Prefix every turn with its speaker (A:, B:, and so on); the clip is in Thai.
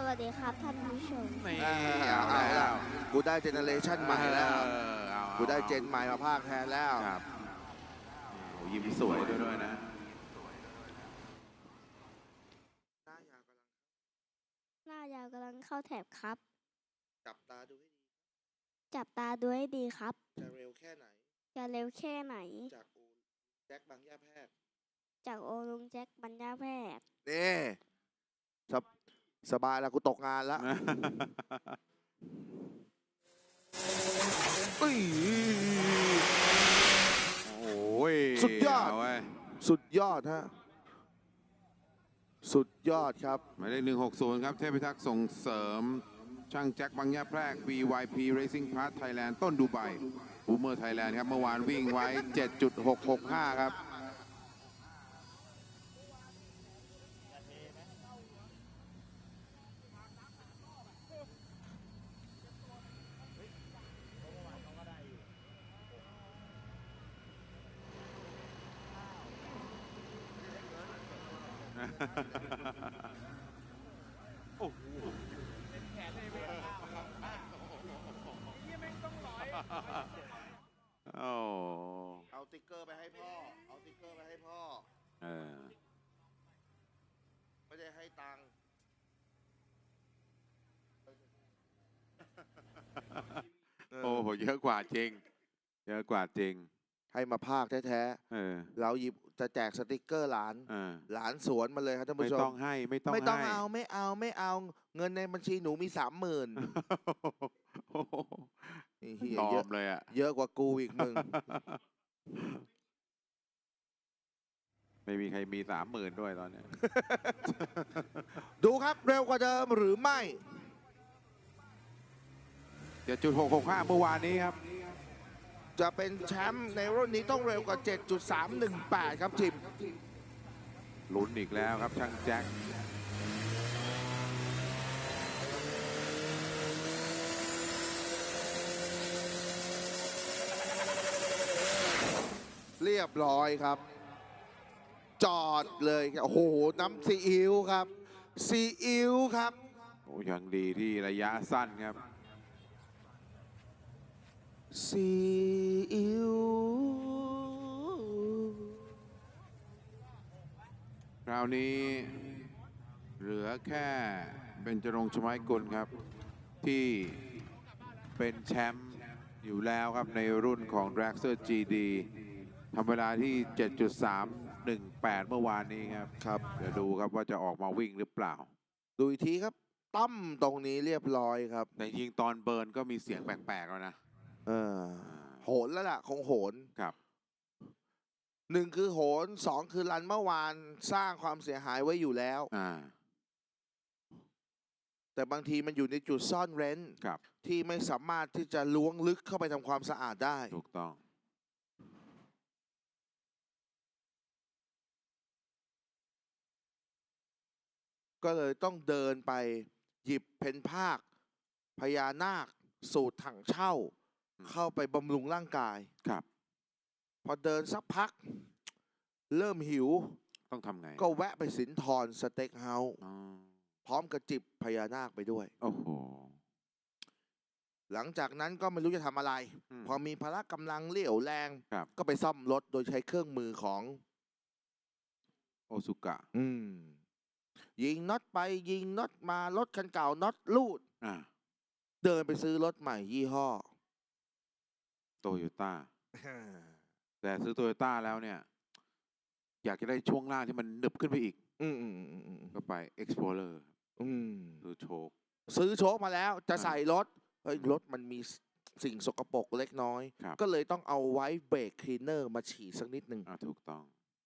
A: วัสดีครับท่านผู้ชม
B: นี่
C: เอาแล้วกูได้เจเนเรชันใหม่แล้วกูได้เจนใหม่มาภาคแทนแล้ว
B: ครับโอ้ยิ้มสวยด้วยนะ
A: หน้ายาวกำลังเข้าแถบครับ
C: จับตาดูให้ดี
A: จับตาดูให้ดีครับ
C: จะเร็วแค่ไหน
A: จะเร็วแค่ไหน
C: จากอูแจ็คบางย่าแพทย์
A: จากโอลุงแจ็คบัญญาแพทย์
C: นี่สบายแล้วกูตกงานแล้วอุ้ย
B: โอ้ย
C: สุดยอด
B: เาเว้ย
C: สุดยอดฮะสุดยอดครับ
B: หมายเลข160 ครับ เทพพิทักษ์ส่งเสริม ช่างแจ็คบางยาแพรก BYP Racing Pass Thailand ต้นดูไบบูมเมอร์ไทยแลนด์ครับ เมื่อวานวิ่งไว้ 7.665 ครับ โอ้โหโอ้
C: เอาติ๊กเกอร์ไปให้พ่อ เอาติ๊กเกอร์ไปให้พ่อ
B: เออ
C: ไม่ได้ให้ตังค์
B: โอ้โห เยอะกว่าจริง เยอะกว่าจริง
C: ให้มาภาคแท้
B: เออ
C: ๆเราหยิบจะแจกสติกเกอร์หลาน
B: เออ
C: หลานสวนมาเลยครับท่าน
B: ไม่
C: ผู้ช
B: ต้อ
C: ม
B: งให้ ไม่ต้อง
C: ไม่ต้อง
B: ให้
C: เอาไม่เอาเงินในบัญชีหนูมี 30,000
B: โอ้โห
C: นี่เฮีย
B: ยอ
C: เยอะ
B: มเลยอ่ะ
C: เยอะกว่ากูอีกมึง
B: ไม่มีใครมี 30,000 ด้วยตอนเนี้ย
C: ดูครับเร็วกว่าเดิมหรือไม่
B: 7.665 เมื่อวานนี้ครับ
C: จะเป็นแชมป์ในรุ่นนี้ต้องเร็วกว่า 7.318 ครับทีม
B: ลุ้นอีกแล้วครับช่างแจ็ค
C: เรียบร้อยครับ จอดเลยโอ้โหน้ำซีอิ๊วครับซีอิ๊วครับ
B: โอ้ยังดีที่ระยะสั้นครับ
C: ซีอิ๊ว
B: คราวนี้เหลือแค่เบญจรงค์ ชมากุลครับ ที่เป็นแชมป์อยู่แล้วครับในรุ่นของ Dragster GD ทำเวลาที่ 7.318 เมื่อวานนี้ครับ
C: ครับ
B: เดี๋ยวดูครับว่าจะออกมาวิ่งหรือเปล่า
C: ดูอีกทีครับตั้มตรงนี้เรียบร้อยครับ
B: แต่ยิงตอนเบิร์นก็มีเสียงแปลกๆแล้วนะ
C: โหนแล้วล่ะคงโหน
B: ครับ
C: หนึ่งคือโหนสองคือรันเมื่อวานสร้างความเสียหายไว้อยู่แล้ว แต่บางทีมันอยู่ในจุดซ่อนเร้น
B: ครับ
C: ที่ไม่สามารถที่จะล้วงลึกเข้าไปทำความสะอาดได้
B: ถูกต้อง
C: ก็เลยต้องเดินไปหยิบเพนภาคพญานาคสูตรถังเช่า เข้าไปบำรุงร่างกาย
B: ครับ
C: พอเดินสักพัก เริ่มหิว
B: ต้องทำไง
C: ก็แวะไปสินทรสเต็กเฮาส์
B: อ๋อ
C: พร้อมกับจิบพญานาคไปด้วย
B: โอ้โห
C: หลังจากนั้นก็ไม่รู้จะทำอะไร พอมีพละกำลังเรี่ยวแรง
B: ครับ
C: ก็ไปซ่อมรถโดยใช้เครื่องมือของ
B: โอซุกะ
C: ยิงน็อตไปยิงน็อตมารถคันเก่าน็อตลูด เดินไปซื้อรถใหม่ยี่ห้อ
B: โตโยต้า แต่ซื้อโตโยต้าแล้วเนี่ย อยากจะได้ช่วงล่างที่มันหนึบขึ้นไปอีก ก็ไป Explorer ซื้อโชค
C: ซื้อโชคมาแล้วจะใส่รถเฮ้ยรถมันมีสิ่งสกปรกเล็กน้อย
B: ครับ
C: ก็เลยต้องเอาไว้เบรกคลีนเนอร์มาฉีดสักนิดหนึ่ง
B: ถูกต้อง